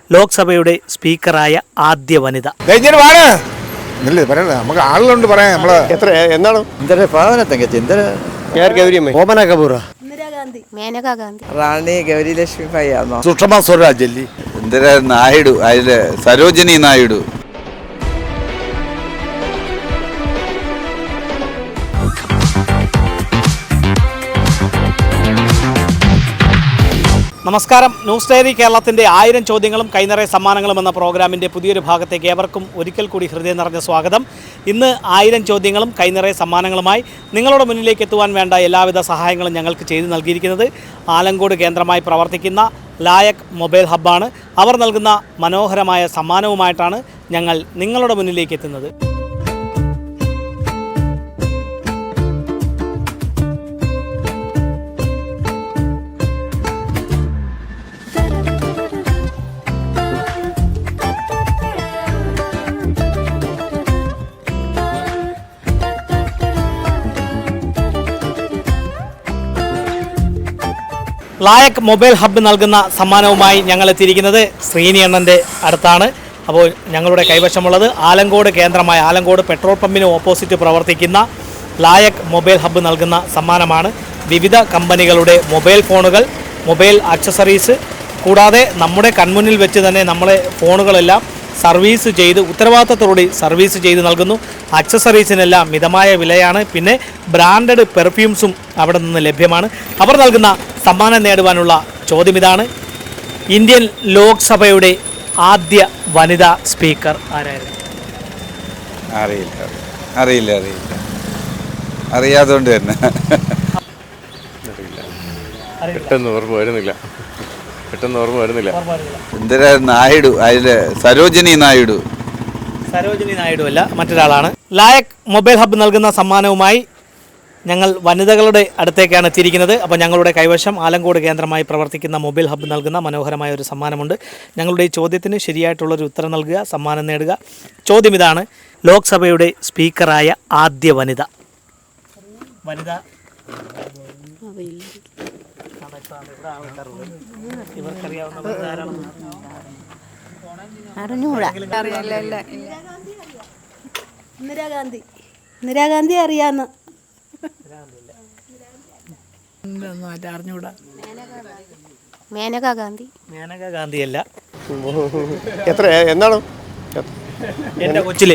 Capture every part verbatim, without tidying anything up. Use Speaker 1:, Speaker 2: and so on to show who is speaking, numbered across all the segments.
Speaker 1: ലോക്സഭയുടെ സ്പീക്കറായ ആദ്യ വനിത.
Speaker 2: നമുക്ക് ആളുകളുണ്ട് പറയാൻ നമ്മള് എത്ര എന്താണ്
Speaker 3: ഇന്ദിര ഭാവന തങ്കച്ചി ഇന്ദിര
Speaker 2: ഗൗരിയമ്മ ഓമന കപൂർ
Speaker 4: ഇന്ദിരാഗാന്ധി മേനകാ ഗാന്ധി
Speaker 3: റാണി ഗൗരി ലക്ഷ്മി ഭായിയാണോ
Speaker 2: സുഷമ സ്വരാജ് അല്ലേ
Speaker 5: ഇന്ദിര നായിഡു അതില് സരോജിനി നായിഡു.
Speaker 1: നമസ്കാരം. ന്യൂസ് ഡയറി കേരളത്തിൻ്റെ ആയിരം ചോദ്യങ്ങളും കൈനിറയ സമ്മാനങ്ങളും എന്ന പ്രോഗ്രാമിൻ്റെ പുതിയൊരു ഭാഗത്തേക്ക് ഏവർക്കും ഒരിക്കൽ കൂടി ഹൃദയം നിറഞ്ഞ സ്വാഗതം. ഇന്ന് ആയിരം ചോദ്യങ്ങളും കൈനിറയ സമ്മാനങ്ങളുമായി നിങ്ങളുടെ മുന്നിലേക്ക് എത്തുവാൻ വേണ്ട എല്ലാവിധ സഹായങ്ങളും ഞങ്ങൾക്ക് ചെയ്തു നൽകിയിരിക്കുന്നത് ആലങ്കോട് കേന്ദ്രമായി പ്രവർത്തിക്കുന്ന ലായക് മൊബൈൽ ഹബ്ബാണ്. അവർ നൽകുന്ന മനോഹരമായ സമ്മാനവുമായിട്ടാണ് ഞങ്ങൾ നിങ്ങളുടെ മുന്നിലേക്ക് എത്തുന്നത്. ലായക് മൊബൈൽ ഹബ്ബ് നൽകുന്ന സമ്മാനവുമായി ഞങ്ങൾ എത്തിയിരിക്കുന്നത് ശ്രീനി അണ്ണൻ്റെ അടുത്താണ്. അപ്പോൾ ഞങ്ങളുടെ കൈവശമുള്ളത് ആലങ്കോട് കേന്ദ്രമായ ആലങ്കോട് പെട്രോൾ പമ്പിന് ഓപ്പോസിറ്റ് പ്രവർത്തിക്കുന്ന ലായക് മൊബൈൽ ഹബ്ബ് നൽകുന്ന സമ്മാനമാണ്. വിവിധ കമ്പനികളുടെ മൊബൈൽ ഫോണുകൾ, മൊബൈൽ ആക്സസറീസ്, കൂടാതെ നമ്മുടെ കൺമുന്നിൽ വെച്ച് തന്നെ നമ്മളെ ഫോണുകളെല്ലാം സർവീസ് ചെയ്ത് ഉത്തരവാദിത്തത്തോടെ സർവീസ് ചെയ്ത് നൽകുന്നു. ആക്സസറീസിനെല്ലാം മിതമായ വിലയാണ്. പിന്നെ ബ്രാൻഡഡ് പെർഫ്യൂംസും അവിടെ നിന്ന് ലഭ്യമാണ്. അവർ നൽകുന്ന സമ്മാനം നേടുവാനുള്ള ചോദ്യം ഇതാണ്: ഇന്ത്യൻ ലോക്സഭയുടെ ആദ്യ വനിതാ സ്പീക്കർ ആരായിരുന്നു?
Speaker 5: അറിയില്ല അറിയില്ല അറിയില്ല അറിയാതുകൊണ്ട് തന്നെ
Speaker 2: പെട്ടെന്ന് ഓർമ്മ വരുന്നില്ല പെട്ടെന്ന് ഓർമ്മ വരുന്നില്ല
Speaker 5: ഇന്ദിര നായിഡു അതില് സരോജിനി നായിഡു.
Speaker 1: സരോജിനി നായിഡു അല്ല, മറ്റൊരാളാണ്. ലായക് മൊബൈൽ ഹബ്ബ് നൽകുന്ന സമ്മാനവുമായി ഞങ്ങൾ വനിതകളുടെ അടുത്തേക്കാണ് എത്തിയിരിക്കുന്നത്. അപ്പോൾ ഞങ്ങളുടെ കൈവശം ആലങ്കോട് കേന്ദ്രമായി പ്രവർത്തിക്കുന്ന മൊബൈൽ ഹബ്ബ് നൽകുന്ന മനോഹരമായ ഒരു സമ്മാനമുണ്ട്. ഞങ്ങളുടെ ഈ ചോദ്യത്തിന് ശരിയായിട്ടുള്ളൊരു ഉത്തരം നൽകുക, സമ്മാനം നേടുക. ചോദ്യം ഇതാണ്: ലോക്സഭയുടെ സ്പീക്കറായ ആദ്യ വനിത. വനിത
Speaker 4: ഇന്ദിരാഗാന്ധി ഇന്ദിരാഗാന്ധി അറിയാന്ന് മേനകാ ഗാന്ധി
Speaker 1: മേനകാ ഗാന്ധിയല്ല.
Speaker 2: എത്ര എന്താണ്
Speaker 1: എൻ്റെ കൊച്ചിലെ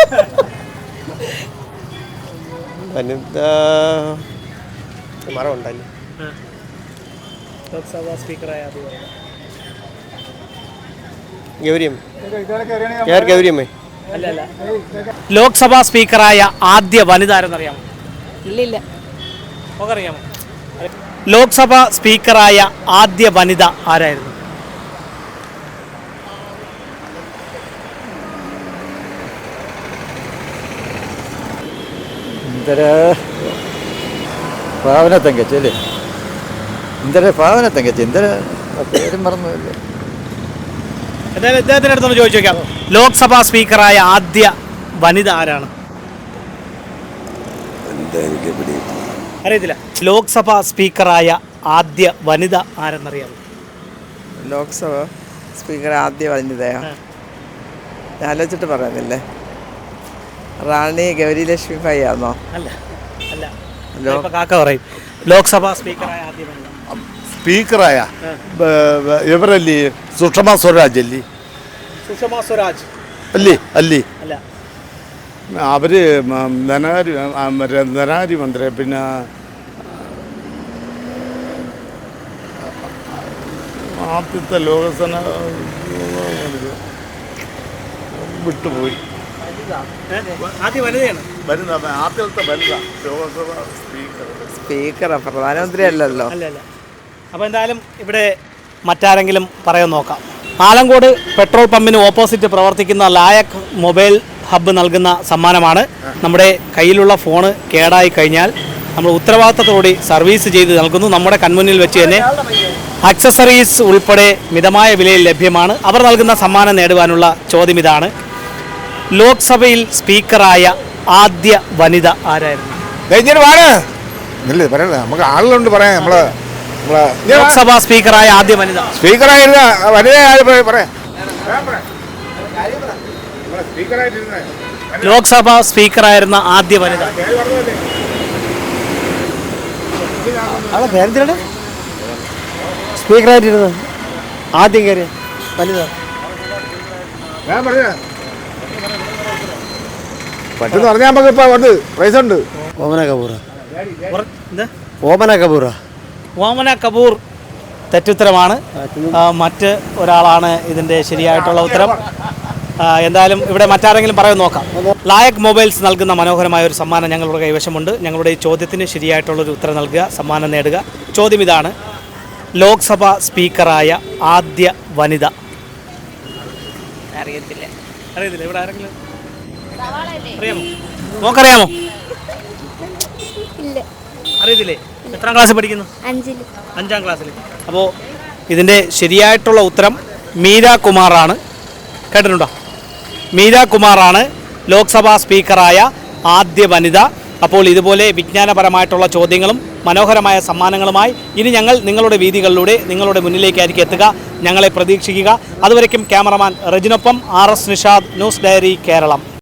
Speaker 2: മരം ഉണ്ടല്ലേ
Speaker 1: ലോക്സഭാ സ്പീക്കറായ ആദ്യ വനിത
Speaker 2: ഗൗരിയമ്മ ഗൗരിയമ്മ
Speaker 1: അല്ല അല്ല ലോക്സഭാ സ്പീക്കറായ ആദ്യ വനിത ആരെന്നറിയാമോ?
Speaker 4: ഇല്ലില്ല.
Speaker 1: ഒക്കെ അറിയാമോ? ലോക്സഭാ സ്പീക്കറായ ആദ്യ വനിത ആരായിരുന്നു?
Speaker 3: ഇന്ദിര ഭാവന തങ്കച്ചി അല്ലേ ഇന്ദിര ഭാവന തങ്കച്ചി ഇന്ദിര പേരും മറന്നില്ലേ?
Speaker 1: എന്തായാലും ഇദ്ദേഹത്തിൻ്റെ അടുത്തൊന്ന് ചോദിച്ചു നോക്കാം. ലോക്സഭാ സ്പീക്കറായ ആദ്യ വനിത ആരാണ്? അറിയത്തില്ല. ലോക്സഭാ സ്പീക്കറായ ആദ്യ വനിത ആരെന്നറിയാമോ?
Speaker 3: ലോക്സഭ സ്പീക്കർ ആദ്യ വനിതയോ? ആലോചിച്ചിട്ട് പറയുന്നില്ലേ? റാണി ഗൗരി ലക്ഷ്മി ഭായിയാണോ?
Speaker 1: അല്ല അല്ല കാക്ക പറയും. ലോക്സഭാ സ്പീക്കറായ ആദ്യ വനിത
Speaker 2: സ്പീക്കറായ ഇവരല്ലേ സുഷമ സ്വരാജ് അല്ലേ?
Speaker 1: സുഷമ സ്വരാജ്
Speaker 2: അല്ലേ അല്ലേ
Speaker 1: അല്ല.
Speaker 2: അവര് ധനകാര്യ ധനകാര്യ മന്ത്രി പിന്നെ ആദ്യത്തെ ലോകസഭ വിട്ടുപോയി.
Speaker 1: ആദ്യ വനിതയാണ്.
Speaker 2: വരുന്ന ആദ്യത്തെ വനിത ലോകസഭ സ്പീക്കർ
Speaker 3: സ്പീക്കറാ, പ്രധാനമന്ത്രി അല്ലല്ലോ.
Speaker 1: അല്ല അല്ല. അപ്പോൾ എന്തായാലും ഇവിടെ മറ്റാരെങ്കിലും പറയാൻ നോക്കാം. ആലങ്കോട് പെട്രോൾ പമ്പിന് ഓപ്പോസിറ്റ് പ്രവർത്തിക്കുന്ന ലായക് മൊബൈൽ ഹബ്ബ് നൽകുന്ന സമ്മാനമാണ്. നമ്മുടെ കയ്യിലുള്ള ഫോണ് കേടായി കഴിഞ്ഞാൽ നമ്മൾ ഉത്തരവാദിത്തത്തോടെ സർവീസ് ചെയ്ത് നൽകുന്നു. നമ്മുടെ കൺമുന്നിൽ വെച്ച് തന്നെ ആക്സസറീസ് ഉൾപ്പെടെ മിതമായ വിലയിൽ ലഭ്യമാണ്. അവർ നൽകുന്ന സമ്മാനം നേടുവാനുള്ള ചോദ്യം ഇതാണ്: ലോക്സഭയിൽ സ്പീക്കറായ ആദ്യ വനിത ആരായിരുന്നു?
Speaker 2: നമുക്ക് ആളുകളുണ്ട് പറയാൻ നമ്മള്
Speaker 1: ലോക്സഭാ സ്പീക്കറായ ആദ്യ വനിത.
Speaker 2: സ്പീക്കറായിരുന്ന വനിത പറയാം.
Speaker 1: ലോക്സഭാ സ്പീക്കറായിരുന്ന ആദ്യ വനിത.
Speaker 6: ആളെ പേരെന്തിനാണ് സ്പീക്കറായിട്ടിരുന്നത് ആദ്യം കയറി വനിത
Speaker 7: പെട്ടെന്ന് പറഞ്ഞാൽ നമുക്ക് ഇപ്പൊ ഉണ്ട് പൈസ ഉണ്ട്.
Speaker 6: ഓമന കപൂർ
Speaker 1: ഉറ- എന്ത്?
Speaker 6: ഓമന കപൂർ
Speaker 1: ഓമന കപൂർ തെറ്റുത്തരമാണ്. ആ, മറ്റ് ഒരാളാണ് ഇതിൻ്റെ ശരിയായിട്ടുള്ള ഉത്തരം. ആ, എന്തായാലും ഇവിടെ മറ്റാരെങ്കിലും പറയാൻ നോക്കാം. ലായക് മൊബൈൽസ് നൽകുന്ന മനോഹരമായ ഒരു സമ്മാനം ഞങ്ങളുടെ കൈവശമുണ്ട്. ഞങ്ങളുടെ ഈ ചോദ്യത്തിന് ശരിയായിട്ടുള്ളൊരു ഉത്തരം നൽകുക, സമ്മാനം നേടുക. ചോദ്യം ഇതാണ്: ലോക്സഭ സ്പീക്കറായ ആദ്യ വനിത. അറിയത്തില്ല. അറിയത്തില്ല. ഇവിടെ ആരെങ്കിലും അറിയാമോ? നോക്കറിയാമോ? അറിയത്തില്ലേ? എത്രാം ക്ലാസ്സിൽ പഠിക്കുന്നു?
Speaker 4: അഞ്ചില്.
Speaker 1: അഞ്ചാം ക്ലാസ്സിൽ. അപ്പോൾ ഇതിൻ്റെ ശരിയായിട്ടുള്ള ഉത്തരം മീര കുമാറാണ്. കേട്ടിട്ടുണ്ടോ? മീര കുമാറാണ് ലോക്സഭാ സ്പീക്കറായ ആദ്യ വനിത. അപ്പോൾ ഇതുപോലെ വിജ്ഞാനപരമായിട്ടുള്ള ചോദ്യങ്ങളും മനോഹരമായ സമ്മാനങ്ങളുമായി ഇനി ഞങ്ങൾ നിങ്ങളുടെ വീതികളിലൂടെ നിങ്ങളുടെ മുന്നിലേക്കായിരിക്കും എത്തുക. ഞങ്ങളെ പ്രതീക്ഷിക്കുക. അതുവരയ്ക്കും ക്യാമറമാൻ റജിനൊപ്പം R S Nishad, news diary, Keralam.